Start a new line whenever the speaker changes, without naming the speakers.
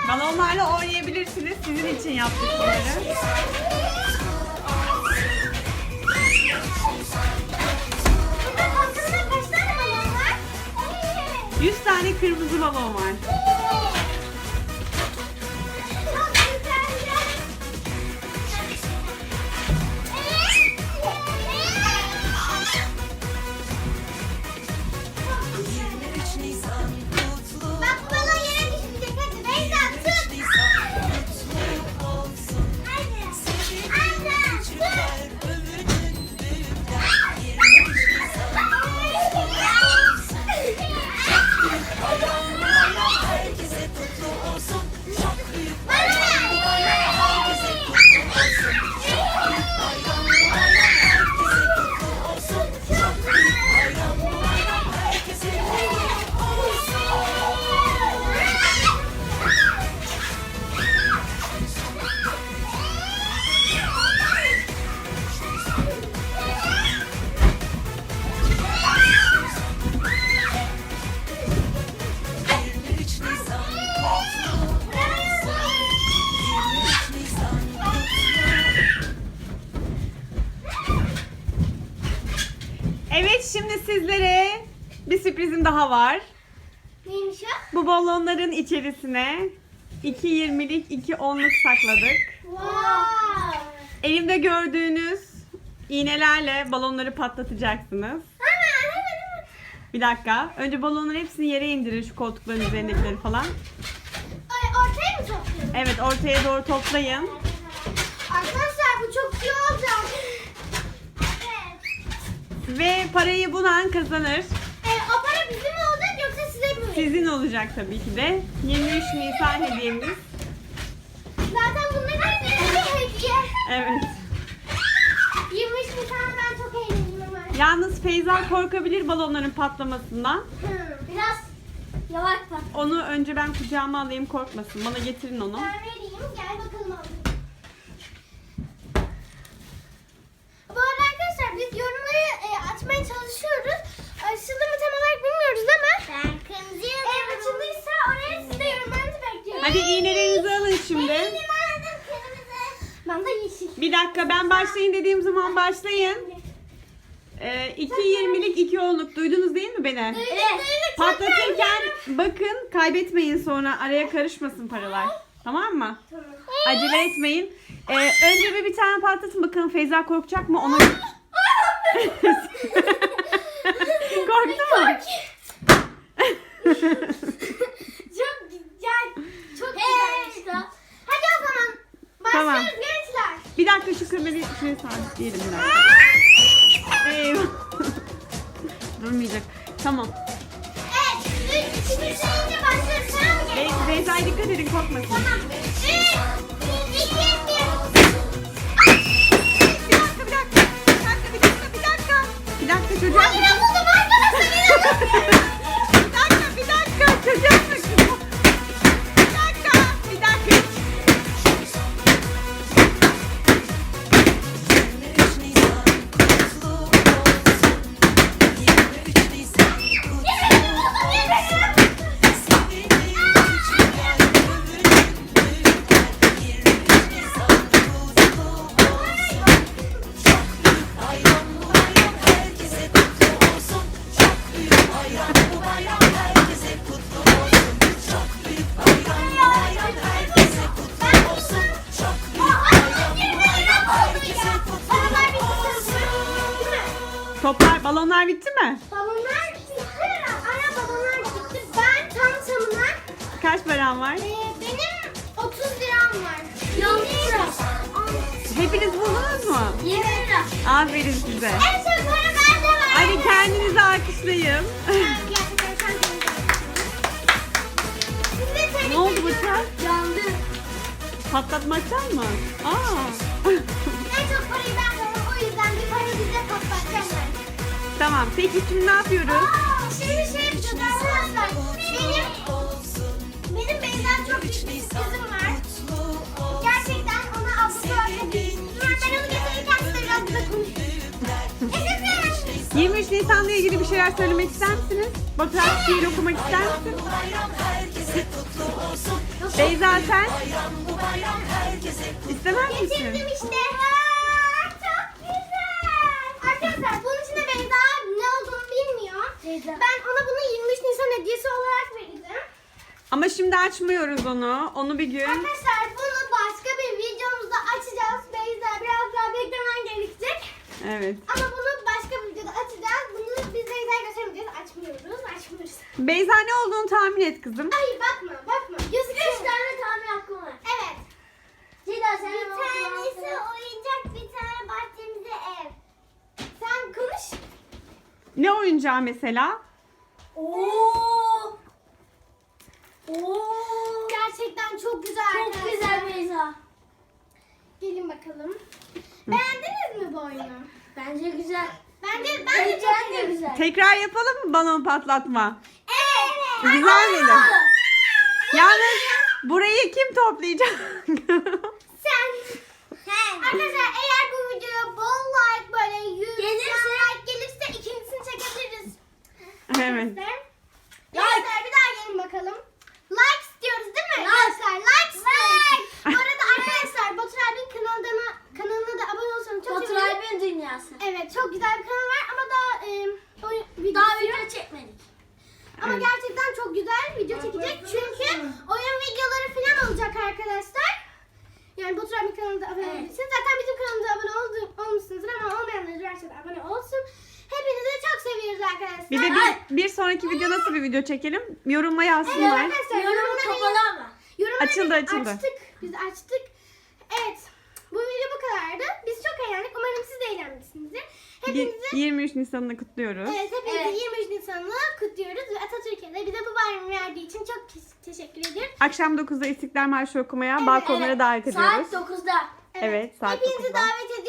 Balonlarla oynayabilirsiniz. Sizin için yaptık bunları.
Burada bakalım kaç tane balon var?
100 tane kırmızı balon var.
Çok güzel. Bak bu balon yere düşecek. Hadi Beyza tut. Hadi. Anne tut.
Herkese kutlu olsun. Çok büyük
Bana ver.
herkese kutlu olsun. Herkese kutlu olsun. Çok büyük bayram bu bayram. Herkese kutlu olsun.
Evet, şimdi sizlere bir sürprizim daha var.
Neymiş o?
Bu balonların içerisine 2 20'lik 2 10'luk sakladık.
Wow.
Elimde gördüğünüz iğnelerle balonları patlatacaksınız.
Hemen.
Bir dakika. Önce balonların hepsini yere indirin, şu koltukların üzerindekileri falan.
Ay, ortaya mı topluyorsun?
Evet, ortaya doğru toplayın.
Arkadaşlar bu çok iyi olacak. Evet.
Ve parayı bulan kazanır.
O para bizim mi olacak yoksa size mi?
Sizin olacak tabii ki de. 23 Nisan hediyemiz.
Zaten bunların hepsi bir hediye.
Evet.
23 Nisan'da ben çok eğleniyorum artık.
Yalnız Feyza korkabilir balonların patlamasından.
Biraz yavaş pat.
Onu önce ben kucağıma alayım, korkmasın. Bana getirin onu.
Ben vereyim. Gel bakalım alalım. Bu arada arkadaşlar biz yorumları açmaya çalışıyoruz. Açıldı mı tam olarak bilmiyoruz ama. Ben kırmızı yazıyorum. Açıldıysa oraya siz de yorumlarınızı bekliyorum.
Hadi iğnelerinizi alın şimdi.
Benim adım kırmızı. Ben de yeşil.
Bir dakika, ben başlayın dediğim zaman başlayın. 2 20'lik 2 10'luk duydunuz değil mi beni?
Evet.
Patlatırken bakın, kaybetmeyin, sonra araya karışmasın paralar. Tamam mı? Acele etmeyin. Önce bir tane patlatın bakalım, Feyza korkacak mı? Ona korktu mu?
Çok güzel. Çok güzel işte. Hadi o zaman
Tamam.
başlıyoruz gençler.
Bir dakika, şu kamerayı şuraya sabitleyelim bir dakika. Eyvah. Durmayacak. Tamam.
Evet. 3, 2, 1 sayınca başlıyoruz. Tamam mı?
Feyza'ya dikkat edin, korkmasın.
Tamam. 3, 2, 1.
Bir dakika çocuğa.
Hayır buldum arkadaşlar.
Bir dakika çocuğa bakın. Bir dakika.
23 Nisan kutlu olsun. 23 Nisan kutlu olsun. Sevinin küçükler, övünün büyükler. 23 Nisan kutlu olsun. Çok büyük bayram bu bayram, herkese kutlu olsun. Çok büyük bayram bu bayram, herkese kutlu olsun. Çok büyük bayram bu bayram, herkese kutlu olsun. Çok büyük bayram bu bayram, herkese kutlu olsun.
Toplar, balonlar bitti mi?
Balonlar bitti. Ana balonlar bitti. Ben tam tamına
Kaç param var?
benim 30 liram var. 20 lira.
Hepiniz buldunuz mu?
20 lira.
Aferin size.
En çok para bende var.
Hadi kendinizi alkışlayın.
Gerçekten sen Siz de tebrik
Ne oldu
ediyorum.
bıçak?
Yandı.
Patlatmaktan mı?
En çok parayı ben kazandım. O yüzden bir para bize patlatacağım ben.
Tamam, peki şimdi ne yapıyoruz?
Şimdi şey yapacağız arkadaşlar. Benim Beyza'm çok büyük bir sürprizim var. Gerçekten ona ablası var. Ben onu getirirken size biraz da konuşayım. Yaşasın.
23 Nisan Nisan'la ilgili bir şeyler söylemek ister misiniz? Batuhan şiir okumak ister misin?
Bu bayram herkese kutlu olsun.
Beyza sen
Bayram bu bayram herkese kutlu
istemez misin?
Getirdim işte. Aa, çok güzel. Arkadaşlar bunun içinde Beyza ne olduğunu bilmiyor. Ben ona bunu 23 Nisan hediyesi olarak verdim.
Ama şimdi açmıyoruz onu. Onu bir gün.
Arkadaşlar bunu başka bir videomuzda açacağız. Beyza biraz daha beklemen gerekecek.
Evet.
Ama bunu başka bir videoda açacağız. Bunu biz Beyza'ya göstermeyeceğiz. Açmıyoruz.
Beyza ne olduğunu tahmin et kızım.
Hayır bakma. 103 tane tahmin hakkım var. Evet. Bir tanesi oyuncak, bir tane bahçemize ev. Sen konuş.
Ne oyuncağı mesela?
Oo. Gerçekten çok güzel. Çok güzel Beyza. Gelin bakalım. Beğendiniz mi bu oyunu? Bence güzel. Bence çok güzel.
Tekrar yapalım mı balon patlatma?
Evet.
Güzel miydi? Yalnız burayı kim toplayacak?
Sen. Arkadaşlar eğer bu videoya bol like böyle 100 like gelirse ikincisini çekebiliriz.
Evet.
Arkadaşlar bir daha gelin bakalım. Like istiyoruz değil mi? Like istiyoruz. Bu arada arkadaşlar Batur abinin kanalına da abone olsanız çok
Batur
sevinirim.
abinin dünyası.
Evet çok güzel bir kanal var ama daha
Daha video çekmedik.
ama
Evet.
gerçekten çok güzel video çekecek çünkü oyun videoları falan olacak arkadaşlar. Yani Batur abinin kanalına abone olabilirsiniz. Zaten bizim kanalımıza abone olmuşsunuzdur ama olmayanlar varsa da abone olsun. Hepinizi çok seviyoruz arkadaşlar.
Bir de bir sonraki video nasıl bir video çekelim? Yorumla
Evet
yazsınlar.
arkadaşlar
Yorum
yorumları
kapalı ama.
Açıldı.
açtık. Biz açtık. Evet. Bu video bu kadardı. Biz çok eğlendik. Umarım siz de eğlenmişsinizdir. Hepinizi
23 Nisan'ını kutluyoruz.
evet, hepinizi 23 Nisan'ı kutluyoruz ve Atatürk'e de bize bu bayramı verdiği için çok teşekkür ediyorum.
Akşam 9'da İstiklal Marşı okumaya balkonlara davet ediyoruz.
Saat 9'da.
Evet, saat
Hepinizi
9'da.
davet ediyoruz.